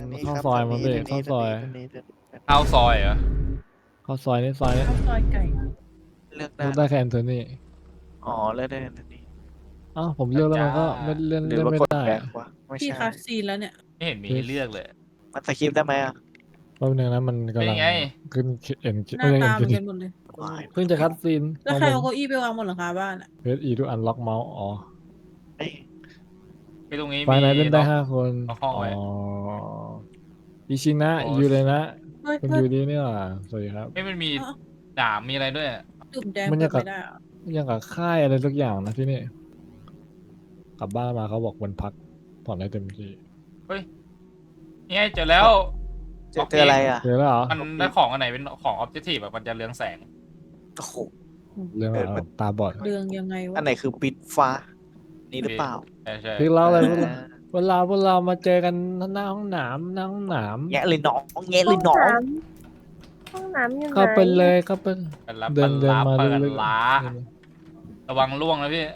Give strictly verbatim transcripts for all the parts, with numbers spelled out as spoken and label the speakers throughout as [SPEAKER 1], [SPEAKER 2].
[SPEAKER 1] นี้
[SPEAKER 2] เข้า
[SPEAKER 1] ครับ
[SPEAKER 2] ซอย
[SPEAKER 1] ทาง
[SPEAKER 2] มา
[SPEAKER 1] นี้
[SPEAKER 2] พี่
[SPEAKER 1] ทาง
[SPEAKER 2] เข้า
[SPEAKER 1] นี้
[SPEAKER 2] ซอย
[SPEAKER 1] ทางนี้ทางนี้
[SPEAKER 3] เข้าซอยเหรอ
[SPEAKER 2] เข้าซอยนี่ซอยนี้
[SPEAKER 4] ข้าวซอยไก่
[SPEAKER 1] เลือก
[SPEAKER 2] เลือก
[SPEAKER 1] ได้
[SPEAKER 2] ได้แค่แอนโทนี
[SPEAKER 1] อ๋อเลือกได้ทางนี้
[SPEAKER 2] อ้าวผมเลือกแล้วมันก็ไม่เล่น
[SPEAKER 1] หรือ
[SPEAKER 2] เล่น
[SPEAKER 1] ว่า
[SPEAKER 2] ไม่
[SPEAKER 1] กด
[SPEAKER 2] ได้
[SPEAKER 1] แบ็
[SPEAKER 2] อะ
[SPEAKER 1] ควะไม่
[SPEAKER 4] พี่
[SPEAKER 1] ใช่
[SPEAKER 4] คัสซีนแล้วเนี่ย
[SPEAKER 3] ไม่เห็นมีให้เลือกเลย
[SPEAKER 1] มันสคริปต์ได้ไหมอ่ะ
[SPEAKER 2] แป๊บนึงนะมันกำลัง
[SPEAKER 3] เป็นไง
[SPEAKER 2] ขึ้นเอ็น
[SPEAKER 4] หน้า
[SPEAKER 2] ไม่ใช่
[SPEAKER 4] ตา
[SPEAKER 2] เอ็น
[SPEAKER 4] เหมือนกันหมดเลย
[SPEAKER 1] ว้าย
[SPEAKER 2] เพิ่งจะคัดซีน
[SPEAKER 4] แล้วใครเอาเก้าอี้ไปวางบนหลังคาบ้านอ่ะ
[SPEAKER 2] เพจอีดูอันล็อกเมาส์อ๋อ
[SPEAKER 1] เอ้ย
[SPEAKER 3] ไปตรงนี้
[SPEAKER 2] ไฟ
[SPEAKER 3] มี
[SPEAKER 2] ไหนเล่นได้
[SPEAKER 3] ล็อก
[SPEAKER 2] ห้าคน
[SPEAKER 3] ล็อกห้อง
[SPEAKER 2] อ๋อ
[SPEAKER 3] ไว้
[SPEAKER 2] อิชินะ
[SPEAKER 3] โอ้
[SPEAKER 2] ยูเลยนะ
[SPEAKER 4] เฮ้ย
[SPEAKER 2] คุณ
[SPEAKER 4] เฮ้
[SPEAKER 2] ยู
[SPEAKER 4] ย
[SPEAKER 2] ดีนี่หว่าสวัสดีครับ
[SPEAKER 3] เอ้ยมันมี
[SPEAKER 4] อ๋อ
[SPEAKER 3] ดาบมีอะไรด้วย
[SPEAKER 4] จุ่มแดง
[SPEAKER 2] มัน
[SPEAKER 4] เปิ
[SPEAKER 2] ยัง
[SPEAKER 4] ด
[SPEAKER 2] กับ
[SPEAKER 4] ไม่ได้เหรอ
[SPEAKER 2] ยังกับค่ายอะไรสักอย่างนะที่นี่กลับบ้านมาเขาบอกวันพักผ่อนได้เต็มที่
[SPEAKER 3] นี่ไงเจอแล้ว
[SPEAKER 1] เจอเจออะไรอ่ะ
[SPEAKER 2] เจอแล้วเหรอ
[SPEAKER 3] มันได้ของอันไหนเป็นของออบเจกตีฟแบบมันจะเรืองแสง
[SPEAKER 1] โอ้โห
[SPEAKER 2] เรื่องอะไรตาบอด
[SPEAKER 4] เรืองยังไงวะ
[SPEAKER 1] อันไหนคือปิดฟ้า นี่หรือเปล่า
[SPEAKER 3] ใช่ใช่
[SPEAKER 2] พี่เล่าอะไรพวก
[SPEAKER 1] อ่า
[SPEAKER 2] เวลาพวกเรามาเจอกันหน้าห้องหนามหน้าห้องหนาม
[SPEAKER 1] แงะเลยน้องแงะเลยน้อง
[SPEAKER 5] ห้องน้ำอยู่ไหน
[SPEAKER 2] เข้าไปเลยเข้าไป
[SPEAKER 3] เป็นรับ
[SPEAKER 2] เดิ
[SPEAKER 3] เปิ
[SPEAKER 2] น
[SPEAKER 3] ด
[SPEAKER 2] เดิน
[SPEAKER 3] ล้า
[SPEAKER 2] มา
[SPEAKER 3] เปิด
[SPEAKER 2] เรื่อยๆ
[SPEAKER 3] ล้าระวังล่วงนะพี่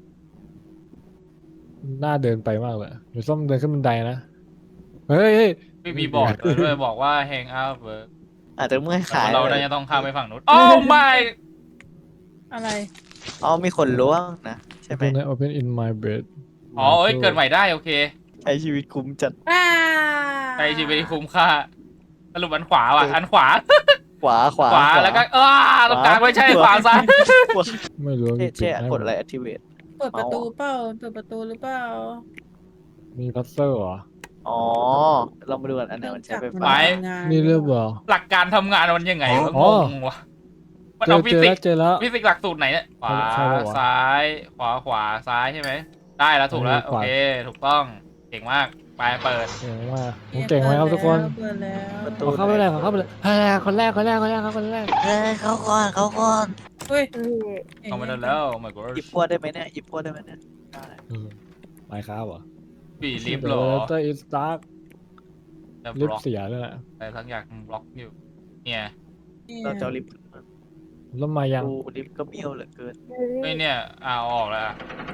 [SPEAKER 2] หน้าเดินไปมากเลยหรือส้มเดินขึ้นบันไดนะเฮ้ยเฮ้ย
[SPEAKER 3] ไม่มีบอกด้วยบอกว่า hang out work
[SPEAKER 1] อาจจะเมื่อย
[SPEAKER 3] แต่
[SPEAKER 1] ขาย
[SPEAKER 3] เราน่าจะต้องข้ามไปฝั่งนู้น โอ้ ไม่
[SPEAKER 4] อะไร
[SPEAKER 1] อ๋อมีคนล้วงนะใช่ไหม
[SPEAKER 2] open open in my bed
[SPEAKER 3] อ๋อเอ้ยเกิดใหม่ได้โอเค
[SPEAKER 1] ใช้ชีวิตคุ้มจัด
[SPEAKER 4] อ้า
[SPEAKER 3] ใช้ชีวิตที่คุ้มค่าสรุปอันขวาว่ะอันขวา
[SPEAKER 1] ขวาขวา
[SPEAKER 3] ขวาแล้วก็เออตรงกลางไม่ใช่ขวาซ้าย
[SPEAKER 1] ขวา
[SPEAKER 2] ไม่รู้ว่า
[SPEAKER 1] เช่
[SPEAKER 2] มี
[SPEAKER 1] เช่
[SPEAKER 2] ปิดให้
[SPEAKER 1] กดอะไร activate
[SPEAKER 4] เปิดประตูเปล่าเปิดประตูหรือเปล่า
[SPEAKER 2] มีพัซเซอร์เหรอ
[SPEAKER 1] อ๋อเรามาดูกันอันไหนมันใช้ไฟ
[SPEAKER 4] มั
[SPEAKER 1] ฟ้า
[SPEAKER 4] ทำงาน
[SPEAKER 2] นี่เรียบร้อย
[SPEAKER 3] หลักการทำงานมันยังไงวะ
[SPEAKER 2] อ๋
[SPEAKER 3] ง
[SPEAKER 2] อ
[SPEAKER 3] งวะมัน
[SPEAKER 2] เจ
[SPEAKER 3] เอา
[SPEAKER 2] อ
[SPEAKER 3] ฟิ
[SPEAKER 2] เจอ
[SPEAKER 3] สิ
[SPEAKER 2] แล้
[SPEAKER 3] ก
[SPEAKER 2] วเจอแล้ว
[SPEAKER 3] ฟิสิกหลักสูตรไหนเนี่ยขวา
[SPEAKER 2] ใช่ปะวะ
[SPEAKER 3] ซ้าย ขวาขวาซ้ายใช่ไหมได้แล้วถูกแล้ว
[SPEAKER 2] เออ
[SPEAKER 3] โอ
[SPEAKER 2] ขวา
[SPEAKER 3] เคถูกต้องเก่งมากไปเปิด
[SPEAKER 2] เก่งมากผมเก่งไหมครับทุกคน
[SPEAKER 4] เปิดแล้ว
[SPEAKER 1] ประตู
[SPEAKER 2] ขอเข้าไปเลยขอเข้าไปเลยเฮ้ยคนแรกคนแรกคนแรกครับคนแรก
[SPEAKER 1] เฮ้ยเขาก่อนเขาก่อน
[SPEAKER 4] เฮ้ย
[SPEAKER 5] นี่
[SPEAKER 3] เข้ามาได้แล้ว oh my god
[SPEAKER 1] หยิบพวดได้ไหมเนี่ยหยิบพวดได้ไหมเนี่ยได้
[SPEAKER 2] ไมค์ครับเหรอ
[SPEAKER 3] บีลิฟต์เหรอ
[SPEAKER 2] เตอร์อิสตาร์
[SPEAKER 3] จะบ
[SPEAKER 2] ลิฟ
[SPEAKER 3] ล็อก
[SPEAKER 2] เสียเลยแหละ
[SPEAKER 3] อะไรทั้งอย่างบล็อกอยู่เนี่ย
[SPEAKER 1] เราจะเอาลิฟต์
[SPEAKER 2] แล้วมายัง
[SPEAKER 1] ดูลิฟต์ก็เบี้ยวเหลือเกิน
[SPEAKER 3] เฮ้ยเนี่ยอ่าเอาออกแล้วอะ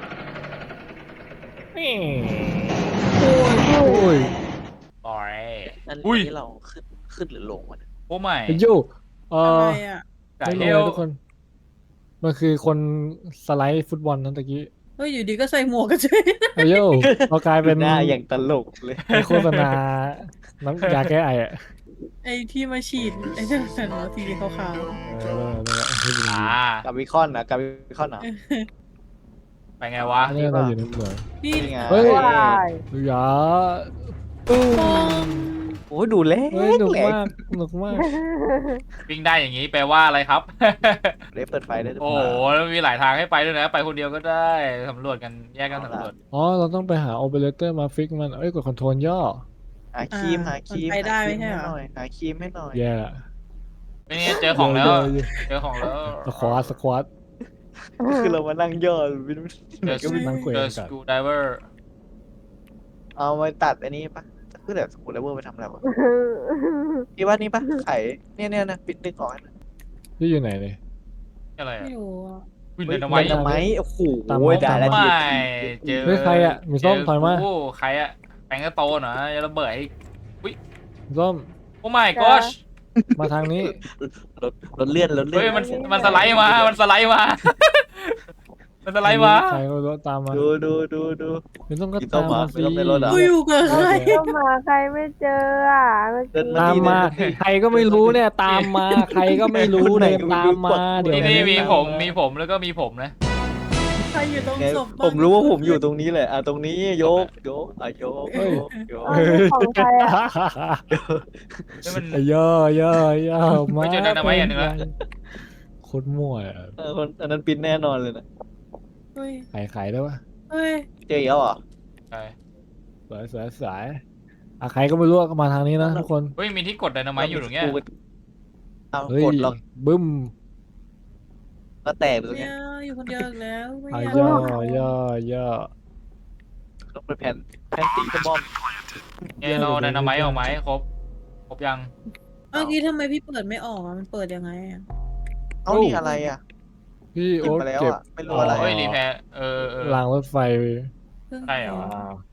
[SPEAKER 4] โอ้ย
[SPEAKER 2] โอ้ย
[SPEAKER 3] ปล่อย
[SPEAKER 1] อัน
[SPEAKER 3] อุ้ย
[SPEAKER 1] นี้เราขึ้นขึ้นหรือลงวะเนี่ย
[SPEAKER 3] โอ้ไม่
[SPEAKER 2] ไอ้ยูเอ
[SPEAKER 4] อะ
[SPEAKER 2] อ
[SPEAKER 4] ไรอ่ะ
[SPEAKER 3] ไก่
[SPEAKER 2] ไม่
[SPEAKER 3] เฮ
[SPEAKER 2] รู้
[SPEAKER 3] ล
[SPEAKER 2] นะทุกคน มันคือคนสไลด์ฟุตบอลนั้นตะกี้
[SPEAKER 4] เฮ้ยอยู่ดีก็ใส่หมวกกันเฉย
[SPEAKER 2] ไอ้โย่เรากลายเป็น
[SPEAKER 1] หน้าอย่างตลกเลย
[SPEAKER 2] ไอ้โฆษณาน้ำยาแก้ไออะ
[SPEAKER 4] ไอ้ที่มาฉีดไอ้นั่นน่ะเนอะสีขาว
[SPEAKER 2] เออนั่นแหละที่เป็น
[SPEAKER 3] อ่า
[SPEAKER 1] กับวิคอนนะกับวิคอนเหรอ
[SPEAKER 3] ไปไงวะ
[SPEAKER 2] อันนี้เราอยู่ในเมือง
[SPEAKER 4] ๆนี่
[SPEAKER 1] นี่ไง
[SPEAKER 2] เฮ้ย
[SPEAKER 5] ว้าย
[SPEAKER 2] อย่าตู้
[SPEAKER 4] มอง
[SPEAKER 1] โอ้ยดูเล็ก
[SPEAKER 2] เฮ้ยหนุก
[SPEAKER 1] เล็ก
[SPEAKER 2] มากหนุกมาก
[SPEAKER 3] วิ่งได้อย่างนี้แปลว่าอะไรครับ
[SPEAKER 1] เล็กเปิดไฟได้หรือ
[SPEAKER 3] โอ้
[SPEAKER 1] เป
[SPEAKER 3] โห
[SPEAKER 1] ล่า
[SPEAKER 3] แล้วมีหลายทางให้ไปด้วยนะ ไปคนเดียวก็ได้สำรวจกันแยกกันสำรวจ
[SPEAKER 2] อ๋อ เราต้องไปหาโอเปอเรเตอร์มาฟิกมัน เอ้ย กดคอนโทรลย่อ
[SPEAKER 1] หาครีมหาครีม
[SPEAKER 4] นไปได้
[SPEAKER 1] หาค
[SPEAKER 4] ไม่
[SPEAKER 1] รีม
[SPEAKER 4] ใช่
[SPEAKER 1] ให้
[SPEAKER 4] เหร
[SPEAKER 1] ห
[SPEAKER 4] อ
[SPEAKER 1] น่อยหาครีมให้หน่อย
[SPEAKER 2] แย่ละ
[SPEAKER 3] ไม่เนี่ยเจอของแล้ว
[SPEAKER 2] เยอะเยอะ
[SPEAKER 3] เจอของแล้ว
[SPEAKER 2] สควอตสควอต
[SPEAKER 1] คือเรามานั่งย่อ
[SPEAKER 3] เจอ
[SPEAKER 2] ก็มีนั่งคุย
[SPEAKER 3] เจ
[SPEAKER 2] กั
[SPEAKER 3] อน ส
[SPEAKER 2] กัน
[SPEAKER 3] กูไดเวอร์
[SPEAKER 1] เอามาตัดอันนี้ปะคือแบบสกูลเลเวอร์ไปทำอะไรวะพี่ว่านี่ปะไข่เนี่ยเนี่ยนะปิดดึงออกให้หน่อย
[SPEAKER 2] พี่อยู่ไหนเนี่ย
[SPEAKER 3] อะไรอ่ะ
[SPEAKER 4] ไม่รู้อะ
[SPEAKER 3] วิน
[SPEAKER 1] เฮ้ย
[SPEAKER 3] เดน
[SPEAKER 1] ไม้
[SPEAKER 3] ไม้
[SPEAKER 1] ทำไมโอ้โห
[SPEAKER 2] ตามมา
[SPEAKER 1] ได้แล้ว
[SPEAKER 2] ตาม
[SPEAKER 3] ไม่
[SPEAKER 2] มา
[SPEAKER 3] เจอ
[SPEAKER 2] เฮ้ยใครอะมีส้ม
[SPEAKER 3] เจ
[SPEAKER 2] ถอยมา
[SPEAKER 3] โอ้ใครอะแปลงกระโตนเหรอจะระเบิดให้
[SPEAKER 2] ส้ม
[SPEAKER 3] โอ้ my gosh
[SPEAKER 2] มาทางนี้
[SPEAKER 1] รถรถเลื่อนรถเลื่อน
[SPEAKER 3] เฮ้ยมันมันสไลด์มา มันสไลด์มา มันสไลด์มา
[SPEAKER 2] ใครก็รู้ตามมา
[SPEAKER 1] ดูดูดูดู
[SPEAKER 2] ไม่ต้องก็
[SPEAKER 1] มีส้
[SPEAKER 2] ตาม
[SPEAKER 1] ม
[SPEAKER 2] มา
[SPEAKER 1] มา
[SPEAKER 2] สิ
[SPEAKER 1] ไม่ต้องไปรถเหร
[SPEAKER 4] กูอยู่กับใคร
[SPEAKER 5] ก็มาใครไม่เจออ่ะเมื่อ
[SPEAKER 1] เดิน
[SPEAKER 5] กี้
[SPEAKER 1] มา
[SPEAKER 2] ตามมา ใครก็ไม่รู้เนี่ย ตามมา ใครก็ไม่รู้เนี่ยตามมา เดี๋ยว
[SPEAKER 3] นี่นี่มีผมมีผมแล้วก็มีผมนะ
[SPEAKER 4] ใครอยู่ตรง
[SPEAKER 1] ไง
[SPEAKER 4] ศพบ้ง
[SPEAKER 1] ผมรู้ว่าผมอยู่ตรงนี้แหละอ่ะตรงนี้โยกโยกอ่ะโยกโยกโยก
[SPEAKER 5] เอาของใครอ่ะ
[SPEAKER 3] นี่มัน
[SPEAKER 2] ไอ้ย่อย่อย่อมา
[SPEAKER 3] ไม่เจอดันเอาไว้อย่างหนึ่งละ
[SPEAKER 2] โคตรมั่วอะ
[SPEAKER 1] เออคนอันนั้นปินแน่นอนเลยนะ
[SPEAKER 4] เฮ้ย
[SPEAKER 2] ขายขายได้ปะ
[SPEAKER 4] เฮ้ย
[SPEAKER 1] เจออีกแล้วเหรอ
[SPEAKER 3] ใช่
[SPEAKER 2] สวยสวยสวยอ่ะใครก็ไม่รู้ก็มาทางนี้นะทุกคน
[SPEAKER 3] เฮ้ยมีที่กดไดนาไมต์อยู่ตรงเนี้ย
[SPEAKER 1] เอา
[SPEAKER 2] เฮ้ย
[SPEAKER 1] กดหรอก
[SPEAKER 2] บึ้ม
[SPEAKER 1] ก็แตกตรง
[SPEAKER 4] เนี่
[SPEAKER 1] เนี้
[SPEAKER 4] ย
[SPEAKER 1] ย
[SPEAKER 4] อยู่คนเดียวอีกแล้วไม่
[SPEAKER 2] อ่ะ
[SPEAKER 4] อยาก
[SPEAKER 2] ย่อย่อย่อ
[SPEAKER 1] ต้องเป็นแผ่นแผ่นตีกระบอม
[SPEAKER 3] เนี่ยเราไดนาไมต์ออกไหมครบครบยัง
[SPEAKER 4] เมื่อกี้ทำไมพี่เปิดไม่ออกอะมันเปิดยังไงอะ
[SPEAKER 1] เอานี่อะไรอ่ะ
[SPEAKER 2] พี่
[SPEAKER 1] หยิบ
[SPEAKER 2] โอ๊ต
[SPEAKER 1] มาแล้ว
[SPEAKER 2] เก็บ
[SPEAKER 1] อ่ะไม่รู้อะไร
[SPEAKER 3] เฮ้ยรีแพร์เออเออ
[SPEAKER 2] รางรถไฟ
[SPEAKER 4] เพิ่ง
[SPEAKER 3] ใช่เหรอ
[SPEAKER 2] อ่า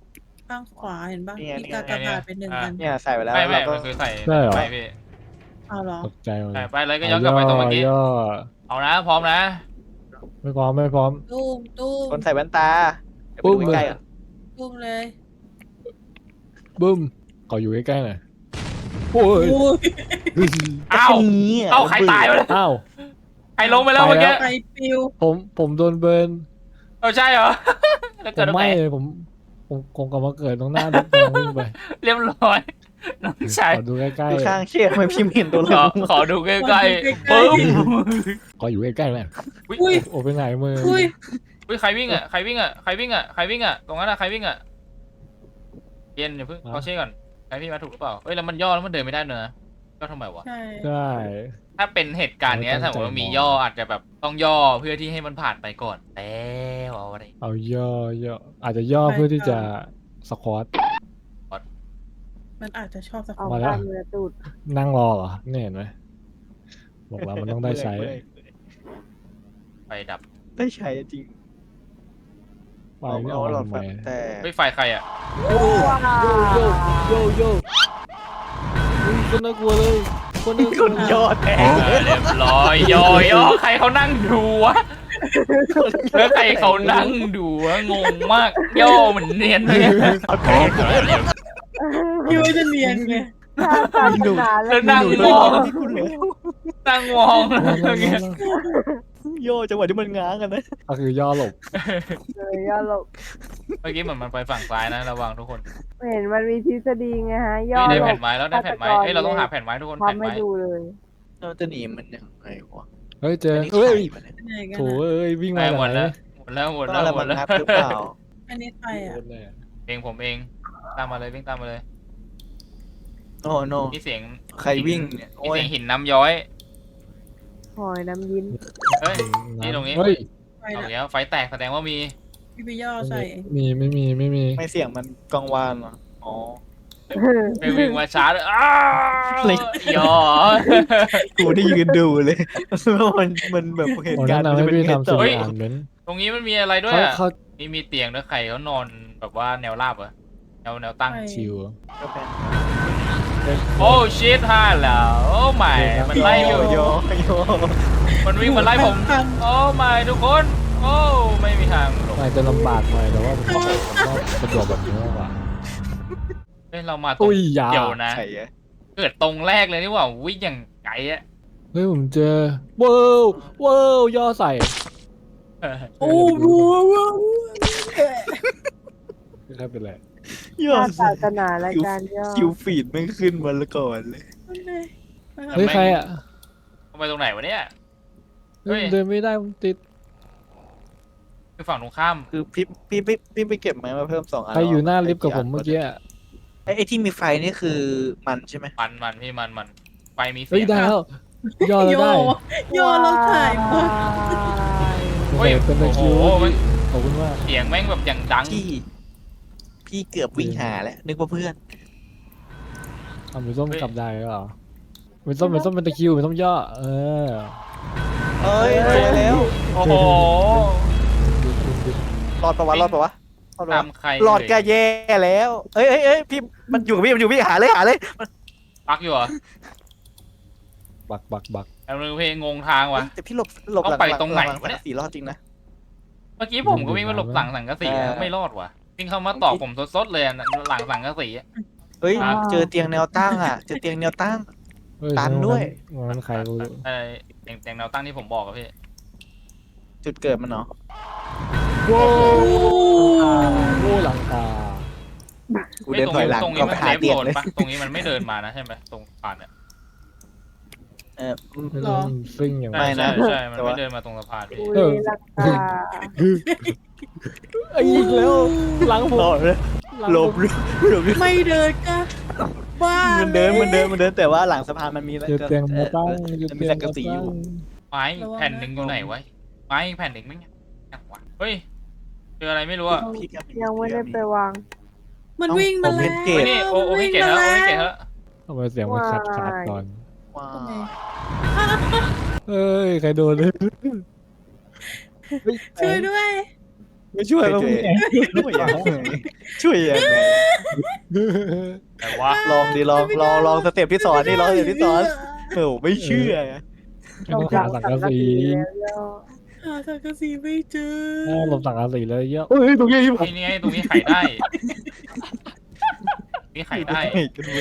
[SPEAKER 4] ข้างขวาเห็นปะ
[SPEAKER 1] นี่ไง
[SPEAKER 4] มีกากบาทเป็นหนึ่งอัน
[SPEAKER 1] เนี่ยใส่ไปแล้ว
[SPEAKER 3] ไม่ไม่
[SPEAKER 1] เราก็
[SPEAKER 3] มันคือใส่
[SPEAKER 2] ใช่เหรอ
[SPEAKER 3] ไปพี่
[SPEAKER 4] เอาเหรอ
[SPEAKER 2] ตกใจหมด
[SPEAKER 3] ใส่
[SPEAKER 2] เลย
[SPEAKER 3] ไปเลยก็ย้อนกลับไปตรงเมื่อกี้
[SPEAKER 2] ย่อ
[SPEAKER 3] เอานะพร้อมนะ
[SPEAKER 2] ไม่พร้อมไม่พร้อม
[SPEAKER 4] ตุ้มตุ้ม
[SPEAKER 1] คนใส่แว่นตาเดี๋ยวไป
[SPEAKER 2] ปุ๊
[SPEAKER 1] ดู
[SPEAKER 2] บ
[SPEAKER 1] ใกล้ๆก่อน
[SPEAKER 4] ตุ้มเลย
[SPEAKER 2] บึ้มขออยู่ใกล้ๆหน่อยโอ้ย
[SPEAKER 4] โอ้ย
[SPEAKER 3] อ้าว
[SPEAKER 1] นี้ะ
[SPEAKER 3] เอ้าใครตายไปแล้ว
[SPEAKER 2] อ้าว
[SPEAKER 3] ใครลงไปแล้วเมื่อกี้
[SPEAKER 4] ไฟปิว
[SPEAKER 2] ผมผมโดนเบิร์น
[SPEAKER 3] เออใช่เหรอ แล้ว
[SPEAKER 2] ผ
[SPEAKER 3] เกิด
[SPEAKER 2] ม
[SPEAKER 3] ตรงไหน
[SPEAKER 2] ไหม่เลยผมผมคงกลับมาเกิดตรงหน้ารถกำลังวิ่งไป
[SPEAKER 3] เรียบร้อยน้องชาย
[SPEAKER 2] ขอดูใกล้
[SPEAKER 1] ดูข้างเชี่ยทำไมพิมพ์เห็นตัว
[SPEAKER 3] ขอ
[SPEAKER 1] เรา
[SPEAKER 3] ขอดูใกล้ๆปึ๊บ
[SPEAKER 2] ๆขออยู่ใกล้ๆแม่
[SPEAKER 4] อุ้ย
[SPEAKER 2] โอ้ไปไหนมือ
[SPEAKER 4] อุ้ย
[SPEAKER 3] อุ้ยใครวิ่งอ่ะใครวิ่งอ่ะใครวิ่งอ่ะใครวิ่งอ่ะตรงนั้นอ่ะใครวิ่งอ่ะเย็นเดี๋ยวเพิ่งเขาเช็คก่อนใครพี่มาถูกหรือเปล่าเอ้ยแล้วมันย่อแล้วมันเดินไม่ได้เนอะย่อทำไมวะ
[SPEAKER 4] ใช่
[SPEAKER 2] ใช่
[SPEAKER 3] ถ้าเป็นเหตุการณ์เนี้ย
[SPEAKER 2] ไม่ตั้
[SPEAKER 3] ถ้าง สมมติว่ามี
[SPEAKER 2] ใจมอง
[SPEAKER 3] ย่ออาจจะแบบต้องย่อเพื่อที่ให้มันผ่านไปก่อนแล้วเอาอะไร
[SPEAKER 2] เอาย่อย่ออาจจะย่อเพื่อที่จะสควอต
[SPEAKER 4] มันอาจจะชอบสัก
[SPEAKER 5] เอา
[SPEAKER 2] มาแล้ว
[SPEAKER 5] การเมือตูด
[SPEAKER 2] นั่งรอเหรอเนี่ยเห็นไหมบอกแล้วมันต้องได้ใช้
[SPEAKER 3] ไฟดับ
[SPEAKER 1] ได้ใช้จริง
[SPEAKER 2] ไป
[SPEAKER 1] เอา
[SPEAKER 2] นี่
[SPEAKER 1] เอา
[SPEAKER 2] เอา
[SPEAKER 1] หลอด
[SPEAKER 2] ทำ
[SPEAKER 1] ไฟ
[SPEAKER 2] ไม
[SPEAKER 1] แต่
[SPEAKER 3] เฮ้ยไฟใครอ่ะ
[SPEAKER 5] ว้าว
[SPEAKER 2] โยโย่อุ้ยคนน่ากลัวเลยคนน่ากลั
[SPEAKER 1] ค
[SPEAKER 2] วน
[SPEAKER 1] ยอดแทง
[SPEAKER 3] เออเรียบร้อยย่อย่อใครเขานั่งดูวะแล้วใครเขานั่งดูวะงงมากย่อเหมือนเนียนเลย
[SPEAKER 1] เอาแทง
[SPEAKER 4] คิดว่าจะเนียนไง
[SPEAKER 5] ถ้าศาสนา
[SPEAKER 3] แล้วนั่ง
[SPEAKER 1] ดู
[SPEAKER 3] มอง
[SPEAKER 1] ที่คุณเหลือ
[SPEAKER 3] นั่งมอง
[SPEAKER 1] โยจังหวะที่มันง้างกันนะ
[SPEAKER 2] ก็คือย่อหลบ
[SPEAKER 5] เลยย่อหลบ
[SPEAKER 3] เมื่อกี้เหมือนมันไปฝั่งซ้ายนะระวังทุกคน
[SPEAKER 5] เห็นมันมีทฤษฎีไงฮะ ย่อ
[SPEAKER 3] เฮ้ยได้
[SPEAKER 5] หล
[SPEAKER 3] แผ่
[SPEAKER 5] บ
[SPEAKER 3] นไม้แล้วได้แผ่นไม้เอ้ยเราต้องหาแผ่นไม้ทุกคน
[SPEAKER 5] พร้อม
[SPEAKER 3] แผ่น
[SPEAKER 5] ไม่
[SPEAKER 3] ไม้
[SPEAKER 5] ดูเลย
[SPEAKER 1] เราจะหนีมันยังไงวะ
[SPEAKER 2] เฮ้ยเจอ
[SPEAKER 1] อันนี้
[SPEAKER 2] เฮ้ย
[SPEAKER 1] ใครวะเนี่ย
[SPEAKER 4] ไหนกัน
[SPEAKER 2] โถ
[SPEAKER 4] อะ
[SPEAKER 2] เอ้ยวิ่ง
[SPEAKER 3] ไป
[SPEAKER 2] มา
[SPEAKER 3] หมด
[SPEAKER 2] ไหน
[SPEAKER 3] แล้วหมดแล้วหมด
[SPEAKER 1] ต้อง
[SPEAKER 3] แล้ว
[SPEAKER 1] อะไร
[SPEAKER 3] หม
[SPEAKER 1] มั
[SPEAKER 3] ด
[SPEAKER 1] น
[SPEAKER 3] แล้ว
[SPEAKER 1] งับหรือเปล่า
[SPEAKER 4] อันนี้ใครอ่ะ
[SPEAKER 3] เองผมเองตามมาเลยวิ่งตามมาเลย
[SPEAKER 1] โอ้โน
[SPEAKER 3] มีเสียง
[SPEAKER 1] ใครวิ่งเนี่ย
[SPEAKER 3] มี
[SPEAKER 1] โอ้ย
[SPEAKER 3] เสียงหินน้ำย้อย
[SPEAKER 5] หอยน้ำยิ้น
[SPEAKER 3] เฮ้ย นี่ตรงนี้
[SPEAKER 2] เฮ้ย
[SPEAKER 4] ไฟ
[SPEAKER 3] เอา
[SPEAKER 4] ละ
[SPEAKER 3] แล้วไฟแตกแสดงว่ามี
[SPEAKER 4] พี่ไปย่อใส่
[SPEAKER 2] มีไม่มีไม่มี
[SPEAKER 1] ไม่เสียงมันกังวานเหรออ๋อ
[SPEAKER 3] ไปวิ่งมาช้าเลยอ้าว
[SPEAKER 1] เลย
[SPEAKER 3] ย่อ
[SPEAKER 1] กูได้ยืนดูเลยมันมันแบบเหตุ
[SPEAKER 2] โอ้
[SPEAKER 1] การ
[SPEAKER 2] แนะ
[SPEAKER 1] ณ์
[SPEAKER 2] นำ
[SPEAKER 1] มัน
[SPEAKER 2] ให้
[SPEAKER 1] จะเป็น
[SPEAKER 2] พี่
[SPEAKER 1] ไง
[SPEAKER 2] ทำ
[SPEAKER 1] ต่
[SPEAKER 2] สิ่
[SPEAKER 1] อง
[SPEAKER 2] อ่านเม้น
[SPEAKER 3] ตรงนี้มันมีอะไรด้วย
[SPEAKER 2] เขา
[SPEAKER 3] อ่ะ
[SPEAKER 2] เขา
[SPEAKER 3] มีมีเตียงด้วยใครเขานอนแบบว่าแนวราบเหรอแนวแนวตั้ง
[SPEAKER 2] ชิว
[SPEAKER 1] ก็เป็น
[SPEAKER 3] โอ้ชิตฮ่าแล้วโอ้ไม่มันไล่อยู่
[SPEAKER 1] โยโย
[SPEAKER 3] มันวิ่งมาไล่ผมโอ้ไม่ทุกคนโอ้ไม่มีทางหลบ
[SPEAKER 2] อาจจะลำบากหน่อยแต่ว่าผมก็สะดวกแบบนี้มากกว่า
[SPEAKER 3] เฮ้ยเรามาตรง
[SPEAKER 2] อุ้ยยา
[SPEAKER 3] เดียวนะ
[SPEAKER 1] ใช่อะ
[SPEAKER 3] เกิดตรงแรกเลยนี่หว่าวิ่งอย่างไกลอะ
[SPEAKER 2] เฮ้ยผมเจอว้าวว้าวย่อใส่
[SPEAKER 4] โอ้โห
[SPEAKER 2] ไม่ใช่เป็นไร
[SPEAKER 1] ยอ
[SPEAKER 5] ถ้า
[SPEAKER 1] ด
[SPEAKER 5] ศาสนาและการย่อ
[SPEAKER 1] คิวฟีดไม่ขึ้นมาแล้วก่อนเลย
[SPEAKER 2] เฮ้ยใครอ่ะ
[SPEAKER 3] ทำไมตรงไหนวะเนี่ย เฮ้ย
[SPEAKER 2] เดินไม่ได้ผมติด
[SPEAKER 3] คือฝั่งตรงข้าม
[SPEAKER 1] คือพี่พี่พี่พี่ไปเก็บไม้มาเพิ่มสองอัน
[SPEAKER 2] ใครอยู่หน้าลิฟต์กับผมเมื่อกี้อะ
[SPEAKER 1] ไอ้ไอ้ที่มีไฟนี่คือมันใช่ไหม
[SPEAKER 3] มันมันพี่มันมันไฟมีเสี
[SPEAKER 2] เฮ้ย
[SPEAKER 3] ยง
[SPEAKER 2] ได้แล้วย่อแล้วได้
[SPEAKER 4] ย่อแล้วถ่ายหมด
[SPEAKER 3] เฮ้ย
[SPEAKER 2] เป็นตะ
[SPEAKER 3] โอ้โห
[SPEAKER 2] คิว
[SPEAKER 3] มัน
[SPEAKER 2] ขอบคุณมาก
[SPEAKER 3] เสียงแม่งแบบอย่างดัง
[SPEAKER 1] พี่พี่เกือบวิ่งหาแล้วนึกว่าเพื่อน
[SPEAKER 2] เอาเป็นส้มกลับได้หรือเปล่าเป็นส้มเป็นส้มเป็นตะคิวเป็นส้มย่อเออ
[SPEAKER 1] เอ้ยเจอแล้ว
[SPEAKER 3] โอ้โห
[SPEAKER 1] รอดปะวะรอดปะวะรอดปะ
[SPEAKER 3] ตาว
[SPEAKER 1] ะ
[SPEAKER 3] มใคร
[SPEAKER 1] รอดก็แย่แล้วเอ้ยเอ้ยเอ้ยพี่มันอยู่กับพี่มันอยู่กับพี่หาเลยหาเลย
[SPEAKER 3] ปักอยู่เหรอ
[SPEAKER 2] บักบักบัก
[SPEAKER 3] แล้วนึงเพลงงงทางว่ะ
[SPEAKER 1] เฮ้ยแต่พี่หลบหลบ
[SPEAKER 3] ต้องไปตรงไหน
[SPEAKER 1] ลั
[SPEAKER 3] วะเนี่ย
[SPEAKER 1] สีรอดจริงนะ
[SPEAKER 3] เมื่อกี้ผมก็วิ่งมาหลบหลังสังกะสี
[SPEAKER 1] เออ
[SPEAKER 3] ไม่รอดว่ะวิ่งเข้ามาตอกผมสดๆเลยอะหลังสังกะสีอะ
[SPEAKER 1] เฮ้ย
[SPEAKER 3] ครับ
[SPEAKER 1] เจอเตียงแนวตั้งอ่ะเจอเตียงแนวตั้ง
[SPEAKER 2] เฮ้ย
[SPEAKER 1] ตันด้วย
[SPEAKER 2] วันนั้นใครรู้
[SPEAKER 3] ไอ้เตียงเตียงแนวตั้งที่ผมบอกอะพี่
[SPEAKER 1] จุดเกิดมันเนาะ
[SPEAKER 2] โว้โว้หลังคา
[SPEAKER 1] กูเดินถอยหลัง
[SPEAKER 3] ตรงนี้
[SPEAKER 1] ก็
[SPEAKER 3] มั
[SPEAKER 1] ไป
[SPEAKER 3] น
[SPEAKER 1] หา
[SPEAKER 3] เซฟ
[SPEAKER 1] เตีย
[SPEAKER 3] โซ
[SPEAKER 1] ง
[SPEAKER 3] น
[SPEAKER 1] เลย
[SPEAKER 3] ปะตรงนี้มันไม่เดินมานะใช่ไหมตรงผ่านเนี่ย
[SPEAKER 1] เออ
[SPEAKER 2] ไม่รู้มันซิ่งอย่าง
[SPEAKER 1] ไม่
[SPEAKER 3] ใช่
[SPEAKER 1] นะ
[SPEAKER 3] ใช่ใช่มัน
[SPEAKER 1] แต่
[SPEAKER 3] ไม่
[SPEAKER 1] ว่า
[SPEAKER 3] เดินมาตรงสะพานพี่
[SPEAKER 5] กูเลยราคา
[SPEAKER 2] ไอ้อีกแล้วหลังผม
[SPEAKER 1] รอดเลย
[SPEAKER 2] หลัง
[SPEAKER 1] หล
[SPEAKER 2] ผม
[SPEAKER 1] บหลบหลบ
[SPEAKER 4] ไม่เดินก็บ้า
[SPEAKER 1] มันเดินมันเดินมันเดินแต่ว่าหลังสะพานมันมี
[SPEAKER 2] เจอเตียงมาตั้ง
[SPEAKER 1] เออ
[SPEAKER 2] เจอ
[SPEAKER 1] มันมี
[SPEAKER 2] เตียง
[SPEAKER 1] สังกะ
[SPEAKER 2] มา
[SPEAKER 1] สีอ
[SPEAKER 2] ตั้ง
[SPEAKER 1] ยู่
[SPEAKER 3] ไม้แผ่นหนึ่งอยู่ไหนวะไม้แผ่นหนึ่งไม่เนี่ยยังวะเฮ้ยเจออะไรไม่รู้อะ
[SPEAKER 1] พี่ก็
[SPEAKER 5] ยังไม่ได้ไปวาง
[SPEAKER 4] มันวิ่งมาแล้ว
[SPEAKER 1] เก
[SPEAKER 3] เฮ้ย
[SPEAKER 1] ต
[SPEAKER 3] นี่โอ้โอ้ให้เกตแล้วโอ้ให้เกตแล้ว
[SPEAKER 2] ทำไมเสียงมันขาดขาดก่อน
[SPEAKER 1] ว้า
[SPEAKER 4] ทำไม
[SPEAKER 1] ว
[SPEAKER 2] เอ้ยใครโดนเลย
[SPEAKER 4] ช่วยด้วย
[SPEAKER 2] ไม่ช่วยแล้ว
[SPEAKER 1] ช่วย
[SPEAKER 2] มึง
[SPEAKER 1] ช่วยยังไงช่วยยังไง
[SPEAKER 3] แต่ว่า
[SPEAKER 1] ลองดิลองลองลองสเต็ปที่สอนนี่ลองสเต็ปที่สอนโอ้ไม่เชื่อ
[SPEAKER 2] ต้องหาสังกะสี
[SPEAKER 5] แล้วย่อ
[SPEAKER 4] หาสังกะสีไม่เจอ
[SPEAKER 2] อ้าวหลบสังกะสีเลยเยอะเฮ้ยตรงนี้ผม
[SPEAKER 3] นี่ไงตรงนี้ไขได้นี่ไขได้
[SPEAKER 1] ไหนกันวะ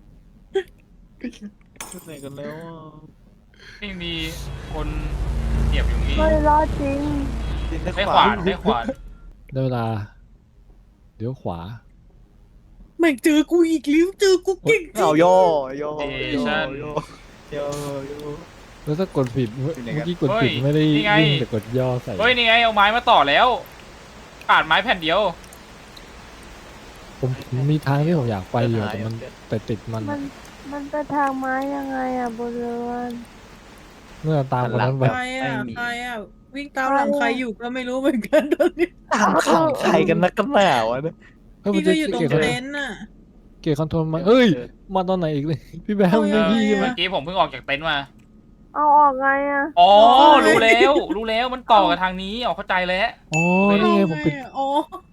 [SPEAKER 1] ไหนกันแล้วอ่ะ
[SPEAKER 3] นี่มีคนเหยียบอยู่นี่
[SPEAKER 5] ไม่รอดจริง
[SPEAKER 3] ได้ขวานได้ขวาน
[SPEAKER 2] ได้เวลาเดี๋ยวขวา
[SPEAKER 4] ไม่เจอกูอีกแล้วเจอกูเก่งจริง
[SPEAKER 1] เอาย่อย่อย่อย่อย่อย่อ
[SPEAKER 2] แล้วถ้ากดผิดเมื่อ
[SPEAKER 1] อยู่ไหนกัน
[SPEAKER 2] กี้กดผิดไม่ได้วิ่งแต่กดย่อใส่
[SPEAKER 3] เฮ้ยนี่ไงเอาไม้มาต่อแล้วขาดไม้แผ่นเดียว
[SPEAKER 2] ผมผมมีทางที่ผมอยากไปอยู่แต่มันแต่ติดมัน
[SPEAKER 5] มันมันไปทางไม้ยังไงอ่ะบนเรือน
[SPEAKER 2] เมื่อตามคนนั้นไป
[SPEAKER 4] ใครอ่ะใครอ่ะวิ่งตามหลังใครอยู่ก็ไม่รู้เหมือนกันตอนนี้
[SPEAKER 1] ตามขังใครกันนักกันหนาวะเนี่ย
[SPEAKER 2] เฮ้ยมัน
[SPEAKER 4] พี่
[SPEAKER 2] จะ
[SPEAKER 4] ก็อยู่ตรง
[SPEAKER 2] เกียร์คอน
[SPEAKER 4] เต็นท์น่ะ
[SPEAKER 2] เกียร์คอนโทรลมาเอ้ยมาตอนไหนอีกเลยพี่แบม
[SPEAKER 4] เอา
[SPEAKER 2] ไม่
[SPEAKER 4] ยังไง
[SPEAKER 2] พี่ใช่ไหม
[SPEAKER 3] เมื่อกี้ผมเพิ่งออกจากเต็นท์มา
[SPEAKER 5] เอาออกไงอ่ะ
[SPEAKER 3] อ๋อรู้แล้วรู้แล้วมันต่อกับทางนี้อ๋อเข้าใจแล้ว
[SPEAKER 2] อ๋อนี่ไงผมปิด
[SPEAKER 4] อ๋อ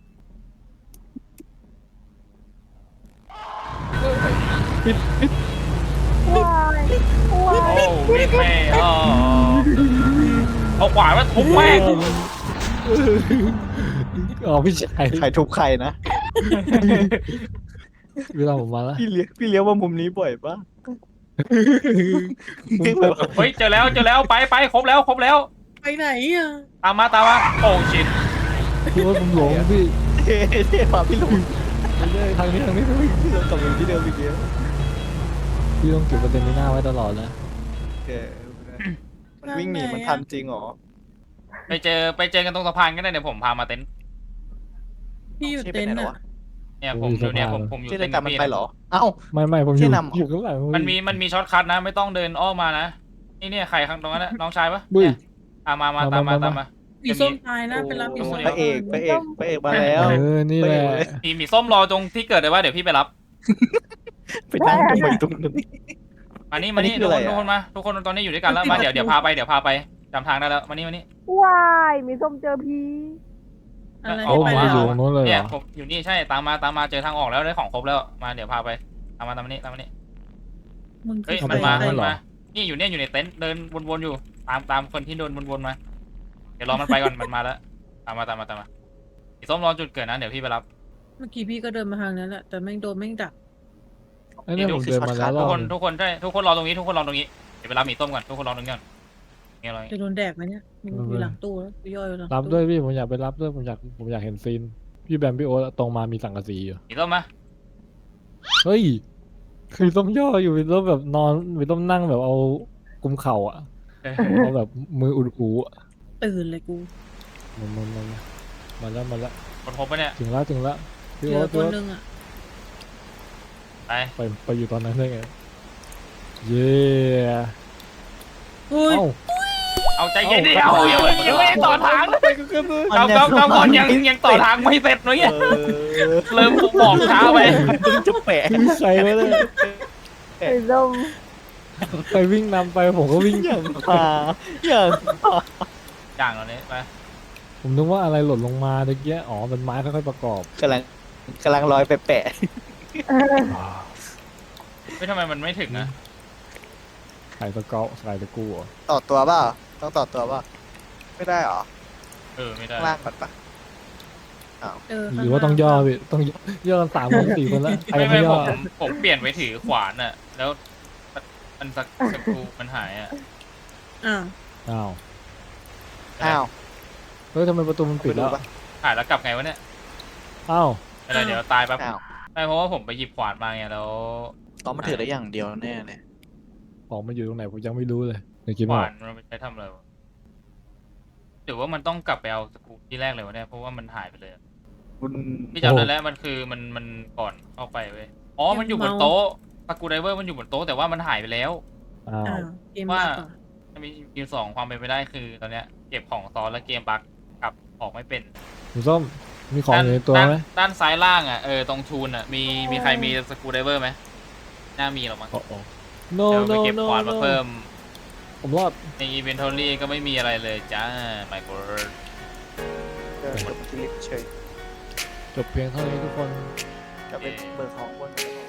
[SPEAKER 2] ปิดปิด
[SPEAKER 5] ว้ายว้า
[SPEAKER 3] โอ้
[SPEAKER 5] ย
[SPEAKER 3] วิ่งแม่อ๋อเอาขวานมาทุบแม่ง
[SPEAKER 2] อ๋อพี่ชาย
[SPEAKER 1] ใครทุบใครนะ
[SPEAKER 2] เวลาผมมาแล้ว
[SPEAKER 1] พี่เลี้ยงพี่เลี้ยงว่ามุมนี้บ่อยปะ
[SPEAKER 3] เฮ้ยเจอแล้วเจอแล้วไปไปครบแล้วครบแล้ว
[SPEAKER 4] ไปไหนอ่ะ
[SPEAKER 3] ตามมาตามมาโอ้ชิต
[SPEAKER 2] พี่ว่าผมหลงพี่
[SPEAKER 1] เท่เท่พาพี่ลง
[SPEAKER 2] ไม่ใช่ทางนี้ทางนี้
[SPEAKER 1] พี่ลงกลับไปที่เดิมอีกเดียว
[SPEAKER 2] พี่ต้องเก็บประเด็นนี้หน้าไว้ตลอดนะ
[SPEAKER 1] มันวิ่งหนีมันทันจริงเหรอ
[SPEAKER 3] ไปเจอไปเจอกันตรงสะพานก็ได้เดี๋ยวผมพามาเต็นท์
[SPEAKER 4] พี่อยู่เต็นท์อ่ะ
[SPEAKER 3] เนี่ยผมอยู่เนี่ยผมผมอยู่
[SPEAKER 1] ที่ได้
[SPEAKER 3] เต็นท์
[SPEAKER 1] ตามมัน
[SPEAKER 3] พี่
[SPEAKER 1] ไปเหรอเอ้า
[SPEAKER 2] ไม่ไม่ผมอ
[SPEAKER 1] ที่
[SPEAKER 2] ยู่
[SPEAKER 1] นำเหรอ
[SPEAKER 2] อยู่ข้างหลัง
[SPEAKER 3] มันมีมันมีช็อตคัทนะไม่ต้องเดินอ้อมมานะนี่เนี่ยใครข้างตรงนั้นนะน้องชายปะ
[SPEAKER 2] บุ้ย
[SPEAKER 3] เนี่ยอ่ะมามาตามมาตามมา
[SPEAKER 4] มีส้มตายนะไปรับมีส้ม
[SPEAKER 1] พระเอกพระเอกพระเอกมาแล้ว
[SPEAKER 2] เออนี่แหละ
[SPEAKER 3] มีหมีส้มรอตรงที่เกิดเลยว่าเดี๋ยวพี่ไปรับ
[SPEAKER 1] ไปนั่งตรงไหนตรงนั้น
[SPEAKER 3] มานี่มานี่
[SPEAKER 1] อันนี้คื
[SPEAKER 3] ทุ
[SPEAKER 1] อก อะไร
[SPEAKER 3] คน
[SPEAKER 1] อะ
[SPEAKER 3] ทุกคนมาทุกคนตอนนี้อยู่ด้วยกันแล้วมาเดี๋ยวเดี๋ยวพาไปเดี๋ยวพาไปจำทางได้แล้วมานี่มานี่
[SPEAKER 5] ว้ายมีส้มเจอพี
[SPEAKER 4] อะไร
[SPEAKER 2] โอ้
[SPEAKER 4] ไม่
[SPEAKER 2] ผม
[SPEAKER 4] ไป
[SPEAKER 2] จะ
[SPEAKER 4] แล้
[SPEAKER 2] อยู่
[SPEAKER 4] ว
[SPEAKER 2] ตรงนู้นเลยเห
[SPEAKER 3] เนี่
[SPEAKER 2] ร
[SPEAKER 3] ย
[SPEAKER 2] อ
[SPEAKER 3] ผมอยู่นี่ใช่ตามมาตามมาเจอทางออกแล้วได้ของครบแล้วมาเดี๋ยวพาไปตามมาตามมานี่ตามมานี่
[SPEAKER 4] มึง
[SPEAKER 3] เฮ้ย
[SPEAKER 4] คือ
[SPEAKER 3] มัน
[SPEAKER 4] ใคร
[SPEAKER 3] มา
[SPEAKER 2] ทำไ
[SPEAKER 3] มันมานี่อยู่เนี่ยอยู่ในเต็นท์เดินวนๆอยู่ตามตามคนที่เดินวนๆมาเดี๋ยวรอมันไปก่อนมันมาแล้วตามมาตามมาตามมาหมีส้มรอจุดเกิดนะเดี๋ยวพี่ไปรับ
[SPEAKER 4] เมื่อกี้พี่ก็เดินมาทางนั้นแหละแต่แม่งโดนแม่งดัก
[SPEAKER 2] ไอ้เนี่ยผมเดินมาแล้วร
[SPEAKER 3] ทุ
[SPEAKER 2] อก บ
[SPEAKER 3] คนทุกคนใช่ทุกคนรอตรงนี้ทุกคนรอตรงนี้เดี๋ยวไปรับหมีส้มก่อนทุกคนรอตรงนี้ก่อนนี่อะไร
[SPEAKER 4] จะโดนแดกไหมเนี่ยมึงอยู่หลังตู้แล้วย่อยอยู่หลัง
[SPEAKER 2] รับ
[SPEAKER 4] ตู้
[SPEAKER 2] ด้วยพี่ผมอยากไปรับด้วยผมอยากผมอยากเห็นซีนพี่แบมพี่โอ๊ตตรงมามีสังกะสีอยู่
[SPEAKER 3] หมีส้มมา
[SPEAKER 2] เฮ้ยคือต้มย่ออยู่มีต้มแบบนอนมีต้มนั่งแบบเอากุมเข่าอ่ะ
[SPEAKER 3] เออ
[SPEAKER 2] เอาแบบมืออุดหูอะ
[SPEAKER 4] ตื่นเลยกู
[SPEAKER 2] มันมันมันมาแล้วมาแล้ว
[SPEAKER 3] คนพบปะเนี่ย
[SPEAKER 2] ถึงแล้วถึงแล้วพี่
[SPEAKER 4] เจ
[SPEAKER 2] โอ๊
[SPEAKER 4] อ
[SPEAKER 2] ต
[SPEAKER 4] ค
[SPEAKER 2] พี่
[SPEAKER 4] น
[SPEAKER 2] โอ๊ต
[SPEAKER 4] นึงอ่ะ
[SPEAKER 3] ไป
[SPEAKER 2] ไปไปอยู่ตอนนั้นได้ไงเย้
[SPEAKER 4] เฮ้ย
[SPEAKER 2] เอ้า
[SPEAKER 3] เอาใจเย็นดิเอายังไม่ยังไม่ได้ต่อทางเลยเราเราเราก่อนยังยังต่อทางไม่เสร็จเลยเนี่ย
[SPEAKER 1] เออ
[SPEAKER 3] เริ่มบอกช้าไป
[SPEAKER 1] เพิ่งจะแปะ
[SPEAKER 2] ใครวะเนี่ย
[SPEAKER 5] ไอ้ส้ม
[SPEAKER 2] ใครวิ่งนำไปผมก็วิ่ง
[SPEAKER 1] อย่างพาอย่าง
[SPEAKER 3] อย่างเราเนี่ยไป
[SPEAKER 2] ผมนึกว่าอะไรหล่นลงมาตะเกียอ๋อเป็นไม้ค่อยๆประกอบ
[SPEAKER 1] กำลังกำลังลอยไปแปะ
[SPEAKER 3] ไม่ทำไมมันไม่ถึงนะ
[SPEAKER 2] ใส่ตะเกาใส่ตะกูเหรอ
[SPEAKER 1] ต่อตัวเปล่าต้องต่อตัวเปล่าไม่ได้หรอ
[SPEAKER 3] เออไม่ได้
[SPEAKER 1] ข้างล่างก่อนปะ
[SPEAKER 4] เออ
[SPEAKER 2] หรือว่าต้องย่อพี่ต้องย่อกันสามคนสี่คนแล้วใคร
[SPEAKER 3] ไม่
[SPEAKER 2] ไม่
[SPEAKER 3] ไม่
[SPEAKER 2] ย่
[SPEAKER 3] ผ
[SPEAKER 2] อ
[SPEAKER 3] มผมเปลี่ยนไปถือขวานอ่ะ แล้วมันสักสกรูมันหายอ่ะ
[SPEAKER 4] อ้าว
[SPEAKER 2] อ้าว
[SPEAKER 1] อ้าว
[SPEAKER 2] เฮ้ยทำไมประตูมันปิดแล้ว
[SPEAKER 1] ไปปะ
[SPEAKER 3] หายแล้วกลับไงวะเนี่ย
[SPEAKER 2] อ้าว
[SPEAKER 3] อะไรเดี๋ยวตายแป๊บ
[SPEAKER 1] อ้าว
[SPEAKER 3] ไม่เพราะว่าผมไปหยิบขวานมาไงแล้ว
[SPEAKER 1] ต้องมาถือได้อย่างเดียวแน่เลย
[SPEAKER 2] ของมันอยู่ตรงไหนผมยังไม่รู้เลยในคลิป
[SPEAKER 3] ข
[SPEAKER 2] บอ
[SPEAKER 3] วาก นมันไปใช้ทำอะไรวะหรือว่ามันต้องกลับไปเอาสกรูที่แรกเลยวะเนี่ยเพราะว่ามันหายไปเลยอะ
[SPEAKER 1] คุณ
[SPEAKER 3] พี่จำได้แล้วมันคือมันมันก่อนเข้าไปเว้ยอ๋อมันอยู่บนโต๊ะสกรูไดเวอร์มันอยู่บนโต๊ะแต่ว่ามันหายไปแล้ว
[SPEAKER 2] อ้าว
[SPEAKER 4] อ้าวเกม
[SPEAKER 3] ว่า
[SPEAKER 4] บั๊กเหรอ
[SPEAKER 3] จะมีมีสองความเป็นไปได้คือตอนเนี้ยเก็บของซ้อนแล้วเกมบั๊กกลับออกไม่เป็น
[SPEAKER 2] คุณส้มมีของอยู่ในตัวไหม
[SPEAKER 3] ด้านด้านซ้ายล่างอ่ะเออตรงทูนอ่ะมีมีใครมีสกรูไดเวอร์ไหมน่ามีหรอกมั้ง
[SPEAKER 2] โอ้โห no
[SPEAKER 3] เดี๋ยวไป
[SPEAKER 2] no
[SPEAKER 3] เก็บ
[SPEAKER 2] no
[SPEAKER 3] ขวานมา
[SPEAKER 2] no
[SPEAKER 3] เพิ่ม
[SPEAKER 2] ผมรอด
[SPEAKER 3] ในอีเวนทอรี่ก็ไม่มีอะไรเลยจ้าไมโคร
[SPEAKER 1] เจอออกดที่ลิฟต์เฉย
[SPEAKER 2] จบเพียงเท่านี้ทุกคน
[SPEAKER 1] จะเป็นเบอร์ของบน